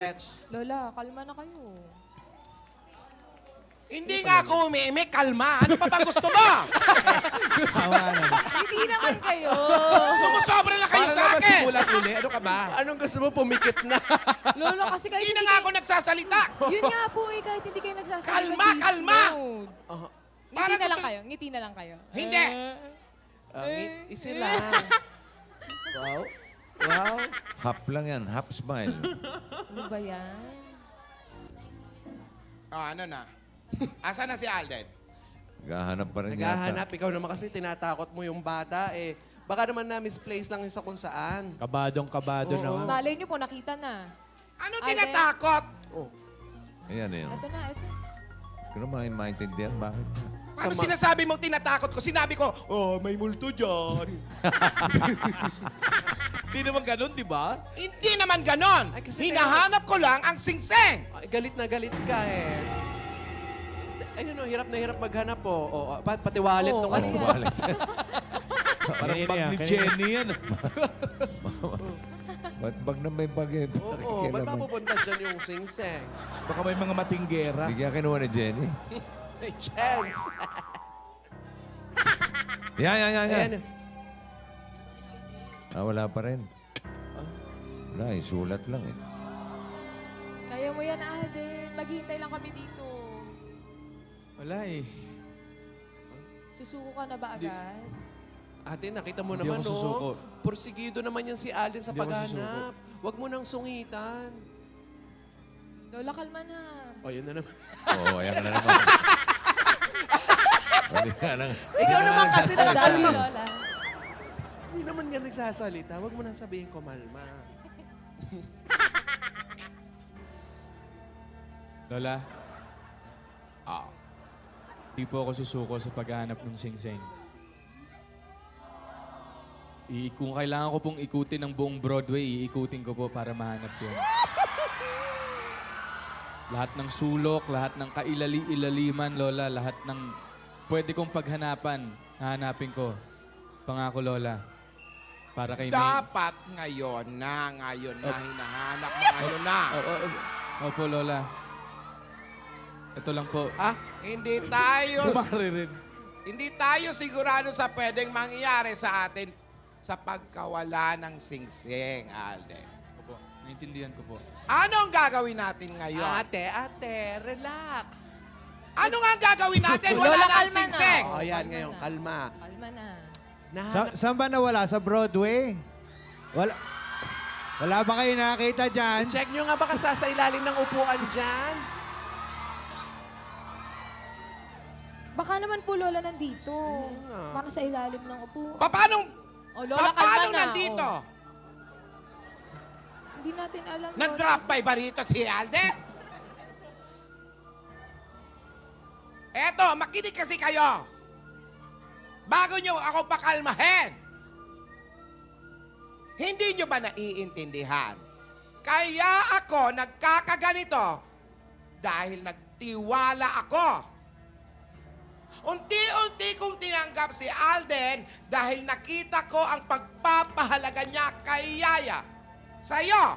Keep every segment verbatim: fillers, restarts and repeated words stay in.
Lola, kalma na kayo. Hindi nga ako umiimik, kalma. Ano pa bang gusto mo? Hindi naman kayo. Sumusobra na kayo Para sa naman akin. simulan uli. Ano ka ba? Anong gusto mo? Pumikit na. Lola, kasi kahit Hindi na hindi nga kayo... ako nagsasalita. Yun nga po eh, kahit hindi kayo nagsasalita. Kalma, please kalma! don't. Uh, Ngiti Para na lang gusto- kayo. Ngiti na lang kayo. Hindi. uh, isi lang. Wow. Wow. Hap lang yan, half smile. Ano ba yan? Oh, ano na? Asa na si Alden? Naghahanap pa rin Naghahanap. Ikaw naman kasi tinatakot mo yung bata eh. Baka naman na misplace lang yung sa kung saan. Kabadong kabado Oo. naman. Malay niyo po, nakita na. Ano Alden? tinatakot? Oh. Ayan, ayan. Ito na, ito. Hindi ko naman maintindihan bakit. Ano Sama- sinasabi mong tinatakot ko? Sinabi ko, oh, may multo dyan. Hindi naman ganun, di ba? Hindi naman ganon. Ay, kasi Hinahanap ko lang ang singseng. Ay, galit na galit ka eh. Ayun o, hirap na hirap maghanap po. Oh. Oh, pa- pati wallet Oo, nung ano ano. yan? Wallet. Parang Kanina bag yan, ni kanina. Jenny yan. Ba't bag na may bag eh? Oo, oh, ba't mapupunta dyan yung sing-seng? Baka may mga matinggera. Hindi kaya kinuha ni Jenny. May chance. Yan, yan, yan, yan. Ayan. Ah, wala pa rin. Wala, eh, sulat lang eh. Kaya mo yan, Alden. Maghihintay lang kami dito. Wala eh. Susuko ka na ba agad? Ate, nakita mo Hindi naman, ako susuko. no? Porsigido naman yan si Alden sa Hindi ako paghanap. Huwag mo nang sungitan. Lola, kalma na. O, yun na naman. Oo, ayan ka na naman. Hindi ka nang... Ikaw naman kasi Ang dami, nakakalma. Lola. Hindi naman nga nagsasalita. Huwag mo nang sabihin ko, Malma. Lola, Ah. di po ako susuko sa paghahanap ng singseng. I kung kailangan ko pong ikutin ng buong Broadway, iikutin ko po para mahanap yun. Lahat ng sulok, lahat ng kailali-ilaliman, Lola, lahat ng pwede kong paghanapan, hahanapin ko. Pangako, Lola. Para kay May. Dapat ngayon na, ngayon na, hinahanap mo ngayon na. Oh, oh, oh. Opo, Lola. Ito lang po. Ah? Hindi tayo, Kumaririn. hindi tayo sigurado sa pwedeng mangyari sa atin sa pagkawala ng singsing, Alden. Opo, naintindihan ko po. Ano ang gagawin natin ngayon? Ate, ate, relax. Ano nga ang gagawin natin? Wala Lola, na ang kalma na. singsing. Oh, yan Kalma ngayon, na. kalma. Kalma na. Sa, Nahanap. saan ba nawala? Sa Broadway? Wala, wala ba kayo nakakita dyan? Check nyo nga baka sa ilalim ng upuan dyan. Baka naman po, Lola, nandito. nga. Baka sa ilalim ng upo. Pa- Paano, Oh, Lola, pa- kalma paano na. nandito? Oh. Hindi natin alam, Lola. Nag-drop by ba rito si Alden? Eto, makinig kasi kayo. Bago nyo ako pakalmahin. Hindi nyo ba naiintindihan? Kaya ako nagkakaganito dahil nagtiwala ako. Unti-unti kong tinanggap si Alden dahil nakita ko ang pagpapahalaga niya kay Yaya. Sa'yo.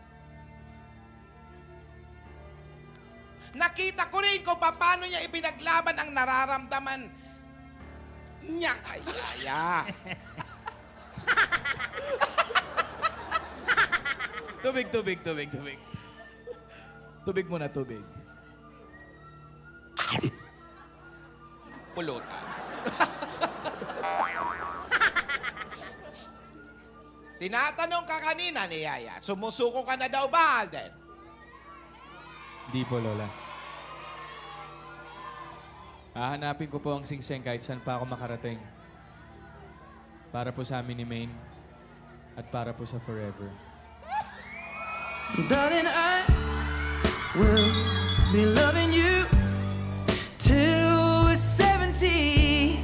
Nakita ko rin kung paano niya ipinaglaban ang nararamdaman niya kay Yaya. Tubig, tubig, tubig, tubig. Tubig muna, tubig. Pulutan. Tinatanong ka kanina ni Yaya, sumusuko ka na daw ba, Alden? Hindi po, Lola. Hahanapin ko po ang singseng kahit saan pa ako makarating. Para po sa amin ni Maine at para po sa forever. Darling, I will be loving you till we're seventy.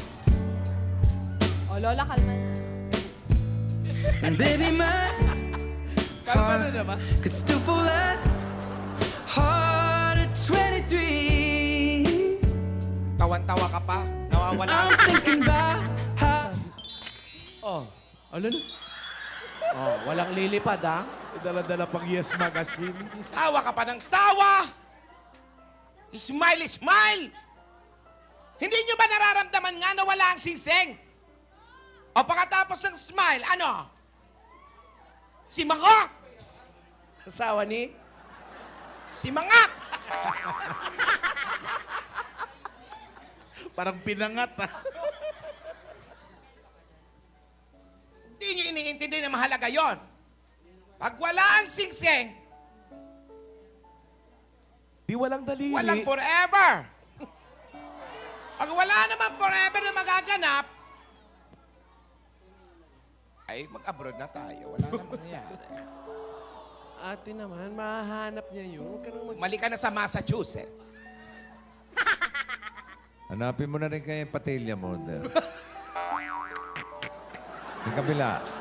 Oh, Lola, kalma na. And baby, my Kalma na naman. could still fall as hard at twenty-three. Tawan-tawa ka pa? Nawawala I'm ka sa thinking about how Oh, ano na? Oh, walang lilipad, ha? Dala-dala pang Yes Magazine. Tawa ka pa ng tawa. Smile, smile. Hindi nyo ba nararamdaman nga na wala ang singsing? O pagkatapos ng smile, ano? Si Mangok. Asawa ni? Si Mangak. Parang pinangat ah. Hindi nyo iniintindi na mahalaga yon. Pag wala ang singsing, Di walang daliri. walang forever. Pag wala naman forever na magaganap, ay mag-abroad na tayo. Wala na mangyayari. Ate naman, mahahanap niya yun. Huwag ka nang mag... Mali ka na sa Massachusetts. Hanapin mo na rin kay patilya mo. Del. Yung kabila.